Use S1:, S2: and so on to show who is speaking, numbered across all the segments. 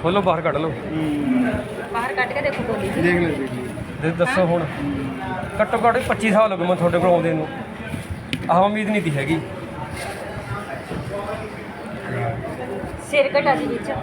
S1: ਖੋਲੋ ਬਾਹਰ ਕੱਢ ਲਓ
S2: ਬਾਹਰ ਕੱਢ ਕੇ ਦੇਖੋ ਬੋਲੀ ਜੀ।
S3: ਦੇਖ ਲੈ
S1: ਦੱਸੋ ਹੁਣ ਘੱਟੋ ਘੱਟ 25 ਸਾਲ ਹੋ ਗਏ ਮੈਂ ਤੁਹਾਡੇ ਕੋਲ ਆਉਂਦੇ ਨੂੰ ਆਹ ਉਮੀਦ ਨਹੀਂ ਤੀ ਹੈਗੀ
S2: ਸਿਰ ਘਟਾ ਜੀ ਵਿੱਚ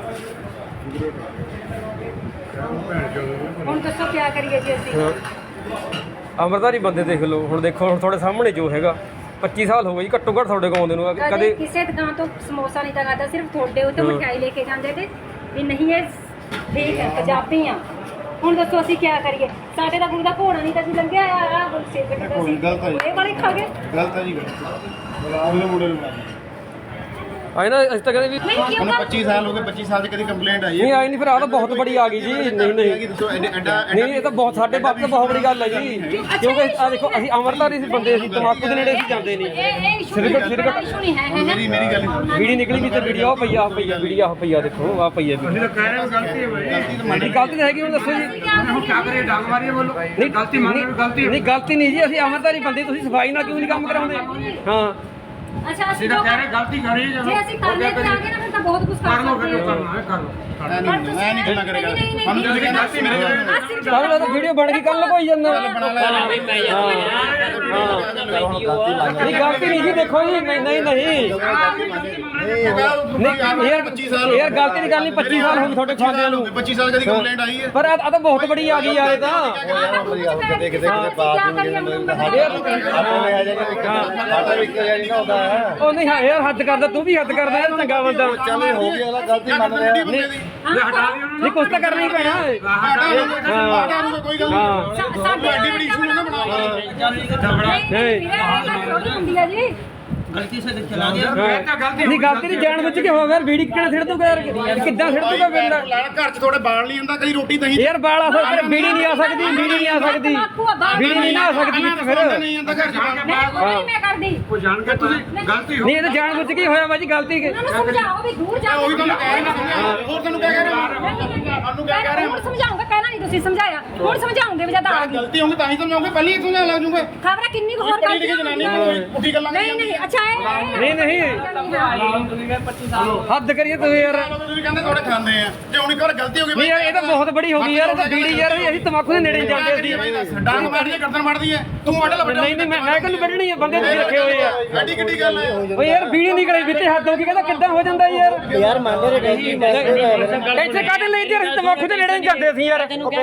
S2: ਹੁਣ ਦੱਸੋ ਕੀ ਕਰੀਏ ਜੀ ਅਸੀਂ
S1: ਅੰਮ੍ਰਿਤਧਾਰੀ ਬੰਦੇ ਦੇਖ ਲਓ ਹੁਣ ਦੇਖੋ ਹੁਣ ਤੁਹਾਡੇ ਸਾਹਮਣੇ ਜੋ ਹੈਗਾ 25 ਸਾਲ ਹੋ ਗਏ ਜੀ ਘੱਟੋ ਘੱਟ ਤੁਹਾਡੇ ਕੋਲ ਆਉਂਦੇ ਨੂੰ
S2: ਕਦੇ ਕਿਸੇ ਦੁਕਾਨ ਤੋਂ ਸਮੋਸਾ ਨਹੀਂ ਤਾਂ ਖਾਦਾ ਸਿਰਫ ਤੁਹਾਡੇ ਉੱਤੇ ਮਠਿਆਈ ਲੈ ਕੇ ਜਾਂਦੇ ਤੇ ਵੀ ਨਹੀਂ ਇਹ ਠੀਕ ਹੈ ਪੰਜਾਬੀ ਆ ਹੁਣ ਦੱਸੋ ਅਸੀਂ ਕੀ ਕਰੀਏ ਸਾਡੇ ਦਾ ਗੁਰੂ ਦਾ ਘੋੜਾ ਨਹੀਂ ਤਾਂ ਅਸੀਂ ਲੰਘਿਆ ਆ ਸਿਰ ਘਟਾ ਸੀ ਇਹ ਵਾਲੇ ਖਾ ਗਏ
S3: ਗਲਤ ਹੈ ਜੀ ਉਹਨੇ ਮੁੰਡੇ ਨੂੰ ਮਾਰਿਆ
S1: ਆਏ ਨਾ ਅਸੀਂ ਤਾਂ ਕਹਿੰਦੇ ਵੀ
S2: ਨਹੀਂ ਕਿਉਂ
S3: ਉਹਨੂੰ 25 ਸਾਲ ਹੋ ਗਏ 25 ਸਾਲ ਦੀ ਕਦੀ ਕੰਪਲੇਂਟ ਆਈ
S1: ਨਹੀਂ ਆਈ ਨਹੀਂ ਫਿਰ ਆਹ ਤਾਂ ਬਹੁਤ ਬੜੀ ਆ ਗਈ ਜੀ ਨਹੀਂ
S3: ਦੱਸੋ ਐਡਾ
S1: ਨਹੀਂ ਇਹ ਤਾਂ ਬਹੁਤ ਸਾਡੇ ਬਾਪ ਤਾਂ ਬਹੁਤ ਬੜੀ ਗੱਲ ਹੈ ਜੀ ਕਿਉਂਕਿ ਆ ਦੇਖੋ ਅਸੀਂ ਅੰਮ੍ਰਿਤਧਾਰੀ ਸੀ ਬੰਦੇ ਅਸੀਂ ਤਮਾਕੂ ਦੇ ਨੇੜੇ ਅਸੀਂ ਜਾਂਦੇ ਨਹੀਂ
S2: ਇਹ ਇਸ਼ੂ ਨਹੀਂ ਹੈ
S3: ਮੇਰੀ ਗੱਲ
S1: ਵੀੜੀ ਨਿਕਲੀ ਵੀ ਤੇ ਵੀਡੀਓ ਆ ਪਈਆ ਵੀਡੀਓ ਆ ਪਈਆ ਦੇਖੋ ਆ ਪਈਆ
S4: ਅਸੀਂ ਤਾਂ ਕਹਿ ਰਹੇ ਹਾਂ ਗਲਤੀ ਹੈ ਭਾਈ
S1: ਨਹੀਂ ਗਲਤੀ ਤਾਂ ਹੈਗੀ ਹੁਣ ਦੱਸੋ ਜੀ
S4: ਹੁਣ ਕੀ ਕਰੀਏ ਡਾਂਗ ਮਾਰੀਏ ਬੋਲੋ
S1: ਨਹੀਂ
S4: ਗਲਤੀ ਮੰਨ ਲਓ ਗਲਤੀ
S1: ਨਹੀਂ ਗਲਤੀ ਨਹੀਂ ਜੀ ਅਸੀਂ ਅੰਮ੍ਰਿਤਧਾਰੀ ਬੰਦੇ ਤੁਸੀਂ ਸਫਾਈ ਨਾਲ ਕਿਉਂ ਨਹੀਂ ਕੰਮ ਕਰਾਉਂਦੇ ਹਾਂ
S2: ਅੱਛਾ
S4: ਅਸੀਂ ਤਾਂ ਕਹਿ ਰਹੇ ਗਲਤੀ ਕਰੀ ਜਦੋਂ
S2: ਜੇ ਅਸੀਂ ਕਰਨੇ ਤੇ ਆ ਗਏ ਨਾ ਫਿਰ ਤਾਂ ਬਹੁਤ ਕੁਝ
S4: ਕਰ ਲਓ
S2: ਕਰ
S4: ਫਿਰ
S2: ਸਕਦੇ
S4: ਕਰਨਾ ਹੈ ਕਰ ਲਓ
S3: ਮੈਂ ਨਹੀਂ ਗੱਲਾਂ ਕਰੇਗਾ ਸਾਨੂੰ ਤੁਸੀਂ ਕਹਿੰਦੇ ਗਲਤੀ ਮੇਰੇ ਕੋਲ
S1: ਕੱਲ ਤਾਂ ਵੀਡੀਓ ਬਣ ਗਈ ਕੱਲ ਲਗੋਈ ਜਾਂਦਾ ਨਹੀਂ ਗਲਤੀ ਨਹੀਂ ਜੀ ਦੇਖੋ ਜੀ ਨਹੀਂ ਯਾਰ ਗਲਤੀ ਦੀ ਗੱਲ ਨਹੀਂ 25 ਸਾਲ ਹੋ ਗਏ ਤੁਹਾਡੇ ਖਾਂਦਿਆਂ ਨੂੰ
S3: 25 ਸਾਲ ਕਦੀ ਕੰਪਲੇਂਟ ਆਈ ਹੈ
S1: ਪਰ ਆ ਤਾਂ ਬਹੁਤ ਬੜੀ ਆ ਗਈ ਯਾਰ ਇਹ ਤਾਂ
S2: ਕਿਤੇ ਕਿਤੇ ਬਾਤ
S1: ਉਹ ਨਹੀਂ ਯਾਰ ਹੱਦ ਕਰਦਾ ਤੂੰ ਵੀ ਹੱਦ ਕਰਦਾ ਯਾਰ ਚੰਗਾ ਬੰਦਾ
S3: ਚੱਲ ਹੋ ਗਿਆ ਅਗਲਾ ਗਲਤੀ ਮੰਨ ਰਿਹਾ
S4: ਹਟਾ ਦਿਓ
S1: ਨਹੀਂ ਕੁਛ ਤਾਂ ਕਰਨਾ ਹੀ ਪੈਣਾ
S3: ਕੋਈ ਗੱਲ ਨਹੀਂ ਐਡੀ ਬੜੀ ਇਸ਼ੂ ਨਾ ਬਣਾ
S2: ਹੁੰਦੀ ਆ ਜੀ
S4: ਗਲਤੀ ਸੇ ਚਲਾ ਗਿਆ ਤਾਂ ਗਲਤੀ
S1: ਨਹੀਂ ਗਲਤੀ ਨਹੀਂ ਜਾਣ ਬੁੱਝ ਕੇ ਹੋ ਯਾਰ ਵੀੜੀ ਕਿਹੜਾ ਛੱਡ ਦੂਗਾ ਯਾਰ ਕਿੱਦਾਂ ਛੱਡ ਦੂਗਾ ਬੰਦਾ
S3: ਘਰ 'ਚ ਥੋੜੇ ਬਾਲ ਨਹੀਂ ਹੁੰਦਾ ਕਦੀ ਰੋਟੀ ਦਹੀਂ
S1: ਯਾਰ ਬਾਲ ਆ ਸਕਦਾ ਵੀੜੀ ਨਹੀਂ ਆ ਸਕਦੀ ਵੀੜੀ ਨਹੀਂ ਆ ਸਕਦੀ ਵੀੜੀ ਨਹੀਂ ਨਾ ਆ ਸਕਦੀ ਫਿਰ
S3: ਨਹੀਂ ਹੁੰਦਾ ਘਰ 'ਚ
S2: ਨਹੀਂ ਮੈਂ ਕਰਦੀ
S4: ਕੋਈ ਜਾਣ ਕੇ ਤੁਸੀਂ ਗਲਤੀ ਹੋ
S1: ਨਹੀਂ ਇਹ ਤਾਂ ਜਾਣ ਬੁੱਝ ਕੇ ਹੋਇਆ ਬਾਜੀ ਗਲਤੀ
S2: ਉਹਨਾਂ ਨੂੰ ਸਮਝਾਓ ਵੀ ਦੂਰ ਜਾਓ
S3: ਉਹੀ ਤੁਹਾਨੂੰ ਕਹਿ ਰਿਹਾ ਹੋਰ ਤੁਹਾਨੂੰ ਕਹਿ ਰਿਹਾ ਸਾਨੂੰ ਕਹਿ ਰਿਹਾ
S2: ਹੁਣ ਸਮਝਾਉਂਗਾ ਕਹਿਣਾ ਨਹੀਂ ਤੁਸੀਂ ਸਮਝਾਇਆ ਹੁਣ ਸਮਝਾਉਂਗੇ ਵੀ ਜਦ ਆ ਗਈ
S3: ਗਲਤੀ ਹੋਊਗੀ ਤਾਂ ਹੀ ਸਮਝਾਉਂਗੇ ਪਹਿਲਾਂ ਹੀ ਸਮਝਾ ਲੱਗ ਜੂਗੇ
S2: ਖਬਰ ਕਿੰਨੀ ਕੁ ਹੋਰ
S3: ਪੜੀ ਲਿਖੀ ਜਨਾਨੀ ਪੁੱਠੀ ਗੱਲਾਂ
S2: ਨਹੀਂ ਨਹੀਂ ਅੱਛਾ
S1: ਨਹੀਂ ਨਹੀਂ ਹੱਦ ਕਰੀਏ ਤੂੰ ਯਾਰ
S3: ਤੁਸੀਂ ਕਹਿੰਦੇ ਥੋੜੇ ਖਾਂਦੇ ਆ ਜੇ ਹੁਣ ਇੱਕ ਵਾਰ ਗਲਤੀ ਹੋ ਗਈ
S1: ਨਹੀਂ ਯਾਰ ਇਹ ਤਾਂ ਬਹੁਤ ਬੜੀ ਹੋ ਗਈ ਯਾਰ ਇਹ ਤਾਂ ਬੀੜੀ ਯਾਰ ਅਸੀਂ ਤਮਾਕੂ ਦੇ ਨੇੜੇ ਨਹੀਂ ਜਾਂਦੇ ਸੀ
S3: ਡਾਂਗ ਮਾਰਦੀ ਹੈ ਗਰਦਨ ਮਾਰਦੀ ਹੈ ਤੂੰ ਵੱਢ ਲੈ
S1: ਨਹੀਂ ਮੈਂ ਕਿਹਨੂੰ ਕੱਢਣੀ ਹੈ ਬੰਦੇ ਤੁਸੀਂ ਰੱਖੇ ਹੋਏ ਆ
S3: ਐਡੀ ਕਿੱਡੀ ਗੱਲ ਹੈ
S1: ਓਏ ਯਾਰ ਬੀੜੀ ਨਿਕਲੇ ਵਿੱਚੇ ਹੱਦ ਹੋ ਗਈ ਕਹਿੰਦਾ ਕਿੱਦਾਂ ਹੋ ਜਾਂਦਾ ਯਾਰ ਮੰਨਦੇ ਰਹੇ ਇੱਥੇ ਕਾਹਦੇ ਲਈ ਤੇ ਅਸੀਂ ਤਮਾਕੂ ਦੇ ਨੇੜੇ ਨਹੀਂ ਜਾਂਦੇ ਸੀ ਯਾਰ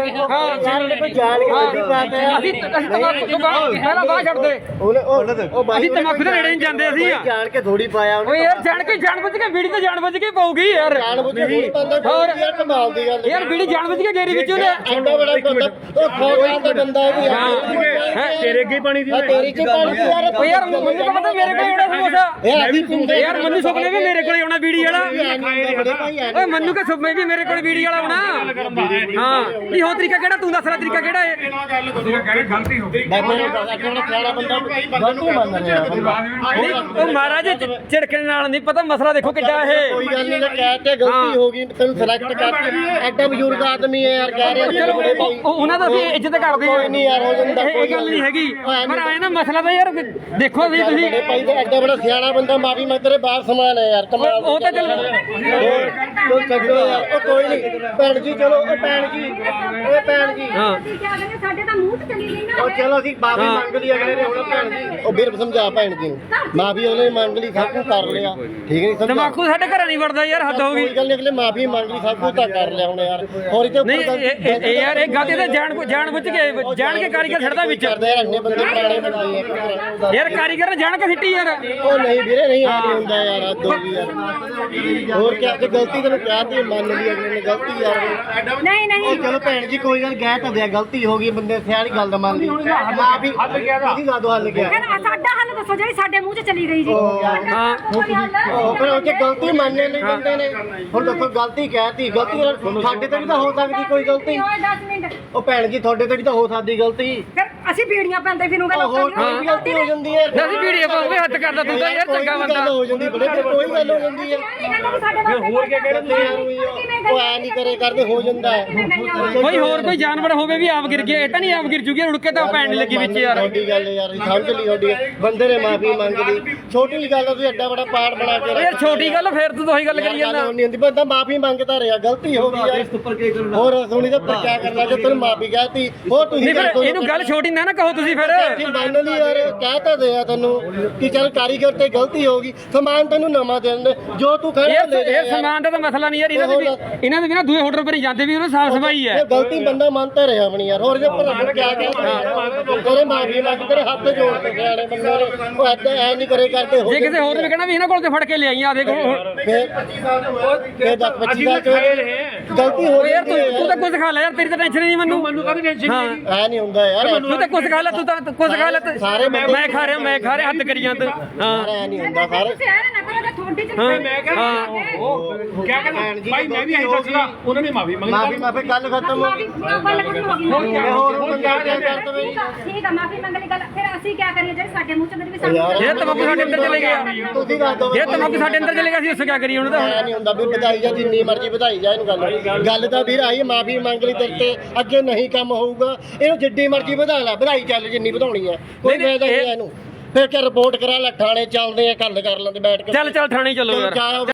S1: ਹਾਂ
S5: ਕੋਈ ਜਾਣ ਕੇ ਵੱਡੀ ਬਾਤ ਹੈ
S1: ਅਸੀਂ ਤਮਾਕੂ ਤੋਂ ਪਹਿਲਾਂ ਬਾਹਰ ਛੱਡਦੇ ਅਸੀਂ ਤਮਾਕੂ ਦੇ ਨੇੜੇ ਨਹੀਂ ਜਾਂਦੇ ਅਸੀਂ
S5: ਜਾਣ ਕੇ ਥੋੜੀ ਪਾਇਆ ਉਹਨੇ
S1: ਓਏ ਯਾਰ ਜਾਣ ਬੁੱਝ ਕੇ ਬੀੜੀ ਤੇ ਜਾਣ ਬੁੱਝ ਕੇ ਪਾਉਗੀ ਯਾਰ
S5: ਜਾਣ ਬੁੱਝ ਕੇ ਬੰਦਾ
S1: ਹੋਰ
S5: ਯਾਰ ਕਮਾਲ ਦੀ ਗੱਲ
S1: ਯਾਰ ਬੀੜੀ ਜਾਣ ਬੁੱਝ ਕੇ ਗੇਰੀ ਵਿੱਚ ਉਹਨੇ
S5: ਐਡਾ ਬੜਾ ਬੰਦਾ ਉਹ ਖੋਗਾਂ ਦਾ ਬੰਦਾ ਹੈ
S1: ਤੇਰੇ ਅੱਗੇ ਪਾਣੀ ਦੀ
S5: ਤੇਰੀ ਕੀ ਪਾਣੀ ਦੀ ਯਾਰ
S1: ਓਏ ਯਾਰ ਮੈਨੂੰ ਤਾਂ ਪਤਾ ਮੇਰੇ ਕੋਲ ਆਉਣਾ ਸਮੋਸਾ
S5: ਇਹ ਆਦੀ ਪਿੰਡੇ
S1: ਯਾਰ ਮੈਨੂੰ ਸੁਪਨੇ ਵੀ ਮੇਰੇ ਕੋਲ ਆਉਣਾ ਬੀੜੀ ਵਾਲਾ
S5: ਬੜੇ ਭਾਈ ਆ
S1: ਓਏ ਮੈਨੂੰ ਕਿ ਸੁਪਨੇ ਵੀ ਮੇਰੇ ਕੋਲ ਬੀੜੀ ਵਾਲਾ ਆਉਣਾ ਹਾਂ ਨਹੀਂ ਹੋ ਤਰੀਕਾ ਕਿਹੜਾ ਤੂੰ ਦੱਸ ਲੈ ਤਰੀਕਾ ਕਿਹੜਾ ਹੈ
S4: ਤੁਸੀਂ ਕਹਿ ਰਹੇ ਗਲਤੀ ਹੋ ਗਈ
S5: ਬਾਬਾ ਨੇ ਕਿਹੜਾ ਸਿਆਣਾ ਬੰਦਾ ਗਲਤੀ ਮੰਨ ਰਿਹਾ
S1: ਨਹੀਂ ਉਹ ਮਹਾਰਾਜ ਝਿੜਕਣ ਨਾਲ ਨਹੀਂ ਪਤਾ ਮਸਲਾ ਦੇਖੋ ਕਿੱਡਾ ਇਹ
S5: ਕੋਈ ਗੱਲ ਨਹੀਂ ਕਹਿ ਤੇ ਗਲਤੀ ਹੋ ਗਈ ਤੈਨੂੰ ਸਿਲੈਕਟ ਕਰ ਐਡਾ ਬਜ਼ੁਰਗ ਆਦਮੀ ਹੈ ਯਾਰ ਕਹਿ ਰਿਹਾ
S1: ਚਲੋ
S5: ਬੜੇ ਭਾਈ
S1: ਉਹਨਾਂ ਦਾ ਅਸੀਂ ਇੱਜ਼ਤ ਕਰਦੇ
S5: ਕੋਈ ਨਹੀਂ ਯਾਰ ਹੋ ਜਾਂਦਾ
S1: ਇਹ ਗੱਲ ਨਹੀਂ ਹੈਗੀ ਪਰ ਆਏ ਨਾ ਮਸਲਾ ਤਾਂ ਯਾਰ ਦੇਖੋ ਵੀ ਤੁਸੀਂ
S5: ਬੜੇ ਭਾਈ ਦਾ ਐਡਾ ਬੜਾ ਸਿਆਣਾ ਬੰਦਾ ਮਾਫੀ ਮੈਂ ਤੇਰੇ ਬਾਹਰ ਸਮਾਨ ਹੈ ਯਾਰ ਕਮਾਲ
S1: ਉਹ ਤਾਂ ਚੱਲ
S5: ਕੋਈ ਛੱਡੋ ਯਾਰ ਉਹ ਕੋਈ ਨਹੀਂ ਭੈਣ ਜੀ ਚਲੋ ਉਹ ਭੈਣ ਜੀ
S1: ਹਾਂ
S2: ਅਸੀਂ ਕੀ ਕਹਿੰਦੇ ਸਾਡੇ ਤਾਂ ਮੂੰਹ ਤੇ ਚਲੀ ਗਈ ਨਾ
S5: ਉਹ ਚਲੋ ਅਸੀਂ ਮਾਫੀ ਮੰਗ ਲਈ ਅਗਲੇ ਨੇ ਹੁਣ ਭੈਣ ਜੀ ਉਹ ਵੀਰ ਸਮਝਾ ਭੈਣ ਜੀ ਨੂੰ ਮਾਫੀ ਉਹਨੇ ਮੰਗ ਲਈ ਸਭ ਕੁਝ ਕਰ ਲਿਆ ਠੀਕ ਨਹੀਂ ਸਮਝਾ
S1: ਤਮਾਕੂ ਸਾਡੇ ਘਰਾਂ ਨਹੀਂ ਵੜਦਾ ਯਾਰ ਹੱਦ ਹੋ ਗਈ
S5: ਕੋਈ ਗੱਲ ਨਹੀਂ ਅਗਲੇ ਮਾਫੀ ਮੰਗ ਲਈ ਸਭ ਕੁਝ ਤਾਂ ਕਰ ਲਿਆ ਹੁਣ ਯਾਰ ਹੋਰ ਇਹ
S1: ਨਹੀਂ ਇਹ ਯਾਰ ਇਹ ਗਲਤੀ ਤਾਂ ਜਾਣ ਬੁੱਝ ਕੇ ਜਾਣ ਕੇ ਕਾਰੀਗਰ ਛੱਡਦਾ ਵਿੱਚ
S5: ਕਰਦੇ ਯਾਰ ਇੰਨੇ ਬੰਦੇ ਪੁਰਾਣੇ ਬੰਦੇ ਆ
S1: ਯਾਰ ਕਾਰੀਗਰ ਨੇ ਜਾਣ ਕੇ ਸਿੱਟੀ ਯਾਰ
S5: ਉਹ ਨਹੀਂ ਵੀਰੇ ਨਹੀਂ ਆ ਨਹੀਂ ਹੁੰਦਾ ਯਾਰ ਆ ਦੋ ਵੀ ਯਾਰ ਹੋਰ ਕਿਆ ਜੇ ਗਲਤੀ ਤੈਨੂੰ ਕਹਿ ਤੀ ਮੰਨ ਲਈ ਅਗਲੇ ਨੇ ਗਲਤੀ ਯਾਰ
S2: ਨਹੀਂ ਨਹੀਂ
S5: ਉਹ ਚਲੋ ਭੈਣ ਜੀ ਕੋਈ ਗੱਲ ਕਹਿ ਤਾਂ ਦਿਆ ਗਲਤੀ ਹੋ ਗਈ ਬੰਦੇ ਸਿਆਣੀ ਗੱਲ ਦਾ ਮੰਨ ਲਈ ਮਾਫੀ ਤੁਸੀਂ ਲਾ ਦੋ ਹੱਲ ਗਿਆ
S2: ਕਹਿੰਦਾ ਸਾਡਾ ਹੱਲ ਦੱਸੋ ਜਿਹੜੀ ਸਾਡੇ ਮੂੰਹ 'ਚ ਚਲੀ ਗਈ ਜੀ
S1: ਹਾਂ
S5: ਉਹ ਫਿਰ ਉਹ 'ਚ ਗਲਤੀ ਮੰਨਣੇ ਲਈ ਬੰਦੇ ਨੇ ਹੁਣ ਦੇਖੋ ਗਲਤੀ ਕਹਿਤੀ ਗਲਤੀ ਸਾਡੇ ਤੇ ਵੀ ਤਾਂ ਹੋ ਸਕਦੀ ਕੋਈ ਗਲਤੀ
S2: ਓਏ 10 ਮਿੰਟ
S5: ਉਹ ਭੈਣ ਜੀ ਤੁਹਾਡੇ ਤੇ ਵੀ ਤਾਂ ਹੋ ਸਕਦੀ ਗਲਤੀ
S2: ਫਿਰ ਅਸੀਂ ਬੀੜੀਆਂ ਪੈਂਦੇ ਫਿਰੂਗੇ
S5: ਹੋਰ ਕੋਈ ਗਲਤੀ ਹੋ ਜਾਂਦੀ ਹੈ
S1: ਅਸੀਂ ਵੀਡੀਓ ਪਾਉਂਗੇ ਹੱਥ ਕਰਦਾ ਤੂੰ ਤਾਂ ਯਾਰ ਚੰਗਾ ਬੰਦਾ
S5: ਹੋ ਜਾਂਦੀ ਬੜੇ ਕੋਈ ਗੱਲ ਹੋ ਜਾਂਦੀ ਹੈ
S2: ਹੋਰ ਕੀ ਕਹਿ ਰਹੇ
S5: ਉਹ ਐ ਨਹੀਂ ਕਰੇ ਕਰਦੇ ਹੋ ਜਾਂਦਾ ਹੈ
S1: ਕੋਈ ਹੋਰ ਕੋਈ ਜਾਨਵਰ ਹੋਵੇ ਵੀ ਆਪ ਗਿਰ ਗਿਆ ਇਹ ਤਾਂ ਨਹੀਂ ਆਪ ਗਿਰ ਜੂਗੀ ਰੁੜ ਕੇ ਤਾਂ ਪੈਣ ਨਹੀਂ ਲੱਗੀ ਵਿੱਚ ਯਾਰ
S5: ਤੁਹਾਡੀ ਗੱਲ ਯਾਰ ਸਮਝ ਲਈ ਤੁਹਾਡੀ ਬੰਦੇ ਨੇ ਮਾਫੀ ਮੰਗਦੀ ਛੋਟੀ ਗੱਲ ਤੁਸੀਂ ਐਡਾ ਬੜਾ ਪਾੜ ਬਣਾ ਕੇ
S1: ਯਾਰ ਛੋਟੀ ਗੱਲ ਫੇਰ ਤੂੰ ਉਹੀ ਗੱਲ ਕਰੀ ਜਾਂਦਾ
S5: ਨਹੀਂ ਹੁੰਦੀ ਬੰਦਾ ਮਾਫੀ ਮੰਗਦਾ ਰਿਹਾ ਗਲਤੀ ਹੋ ਗਈ ਯਾਰ ਇਸ ਉੱਪਰ ਕੀ ਕਰਨਾ ਹੋਰ ਸੁਣੀ ਤਾਂ ਪਰ ਕਿਆ ਕਰਨਾ ਜੇ ਤੈਨੂੰ ਮਾਫੀ ਕਹਤੀ ਹੋਰ ਤੁਸੀਂ
S1: ਨਹੀਂ ਫਿਰ ਇਹਨੂੰ ਗੱਲ ਛੋਟੀ ਨਾ ਕਹੋ ਤੁਸੀਂ ਫਿਰ
S5: ਜੀ ਮੰਨ ਲਈ ਯਾਰ ਕਹਿ ਤਾਂ ਦਿਆ ਤੈਨੂੰ ਕਿ ਚੱਲ ਕਾਰੀਗਰ ਤੇ ਗਲਤੀ ਹੋ ਗਈ ਸਮਾਨ ਤੈਨੂੰ ਨਵਾਂ ਦੇ ਦਿੰਦੇ ਜੋ ਤੂੰ ਖੜਾ ਲੈ ਜਾ
S1: ਇਹ ਸਮਾਨ ਦਾ ਤਾਂ ਮਸਲਾ ਨਹੀਂ ਯਾਰ ਇਹਨਾਂ ਦੇ ਵੀ ਨਾ ਦੂਏ ਹੋਟਲ ਪਰ ਹੀ ਜਾਂਦੇ ਵੀ ਉਹਨਾਂ ਸਾਫ ਸਫਾਈ ਹੈ
S5: ਇਹ ਗਲਤੀ ਬੰਦਾ ਮੰਨਤਾ ਰਿਹਾ ਆਪਣੀ ਯਾਰ ਹੋਰ ਜੇ ਭਰਾ ਕਿਆ ਤੇਰੇ ਮਾਫੀ ਮੰਗ ਤੇਰੇ ਹੱਥ ਜੋੜ ਕੇ ਸਿਆਣੇ ਬੰਦੇ ਨੇ ਉਹ ਐਦਾਂ ਐ ਨਹੀਂ ਕਰੇ ਕਰਦੇ
S1: ਜੇ ਕਿਸੇ ਹੋਰ ਨੇ ਕਹਿਣਾ ਵੀ ਇਹਨਾਂ ਕੋਲ ਤੇ ਫੜ ਕੇ ਲਿਆਈ ਆ ਦੇਖੋ
S5: ਫਿਰ 25 ਸਾਲ ਚ ਗਲਤੀ ਹੋ
S1: ਯਾਰ
S5: ਗਈ
S1: ਤੂੰ ਤਾਂ ਕੁਝ ਖਾ ਲੈ ਯਾਰ ਤੇਰੀ ਤਾਂ ਟੈਨਸ਼ਨ ਨਹੀਂ ਮੈਨੂੰ
S4: ਕਾਹਦੀ ਟੈਨਸ਼ਨ ਨਹੀਂ
S5: ਐ ਨਹੀਂ ਹੁੰਦਾ ਯਾਰ
S1: ਤੂੰ ਤਾਂ ਕੁਝ ਖਾ ਲੈ ਤੂੰ ਤਾਂ ਕੁਝ ਖਾ ਲੈ ਮੈਂ ਖਾ ਰਿਹਾ ਹੱਦ ਕਰੀ ਜਾਂਦਾ ਹਾਂ
S5: ਐ ਨਹੀਂ ਹੁੰਦਾ ਸਾਰੇ
S2: ਨਾ ਕਰੋ ਤਾਂ ਥੋੜੀ ਜਿਹੀ
S4: ਮੈਂ ਕਹਿੰਦਾ ਉਹ ਕਿਆ ਕਹਿੰਦਾ ਭਾਈ ਮੈਂ ਵੀ ਇਹੀ ਦੱਸਦਾ ਉਹਨਾਂ ਨੇ ਮਾਫੀ ਮੰਗੀ
S5: ਮਾਫੀ ਗੱਲ ਖਤਮ ਹੋ ਗਈ ਹੋਰ ਬੰਦਾ ਕਿਆ ਕਰ ਦਵੇ
S2: ਠੀਕ ਆ ਮਾਫੀ ਮੰਗ ਲਈ ਗੱਲ ਫਿਰ ਅਸੀਂ ਕੀ ਕਰੀਏ ਜਿਹੜੇ ਸਾਡੇ ਮੂੰਹ ਚ ਵੀ ਸਾਨੂੰ
S1: ਇਹ ਤਮਾਕੂ ਸਾਡੇ ਅੰਦਰ ਚਲੇ ਗਿਆ
S5: ਤੁਸੀਂ ਦੱਸ ਦਿਓ
S1: ਇਹ ਤਮਾਕੂ ਸਾਡੇ ਅੰਦਰ ਚਲੇ ਗਿਆ ਸੀ ਉਸ ਕੀ ਕਰੀਏ ਉਹਨੂੰ ਤਾਂ
S5: ਐ ਨਹੀਂ ਹੁੰਦਾ ਵੀ ਵਧਾਈ ਜਾ ਜਿੰਨੀ ਮਰਜ਼ੀ ਵਧਾਈ ਜਾ ਇਹਨੂੰ ਗੱਲ ਤਾਂ ਵੀਰ ਆਈ ਮਾਫੀ ਮੰਗ ਲਈ ਤੇਰੇ ਤੇ ਅੱਗੇ ਨਹੀਂ ਕੰਮ ਹੋਊਗਾ ਇਹਨੂੰ ਜਿੱਡੀ ਮਰਜ਼ੀ ਵਧਾ ਲੈ ਵਧਾਈ ਚੱਲ ਜਿੰਨੀ ਵਧਾਉਣੀ ਆ ਕੋਈ ਫਾਇਦਾ ਨਹੀਂ ਇਹਨੂੰ ਫਿਰ ਕਿ ਰਿਪੋਰਟ ਕਰਾ ਲੈ ਥਾਣੇ ਚੱਲਦੇ ਆ ਗੱਲ ਕਰ ਲੈਂਦੇ ਬੈਠ ਕੇ
S1: ਚੱਲ ਥਾਣੇ ਚੱਲੋ ਯਾਰ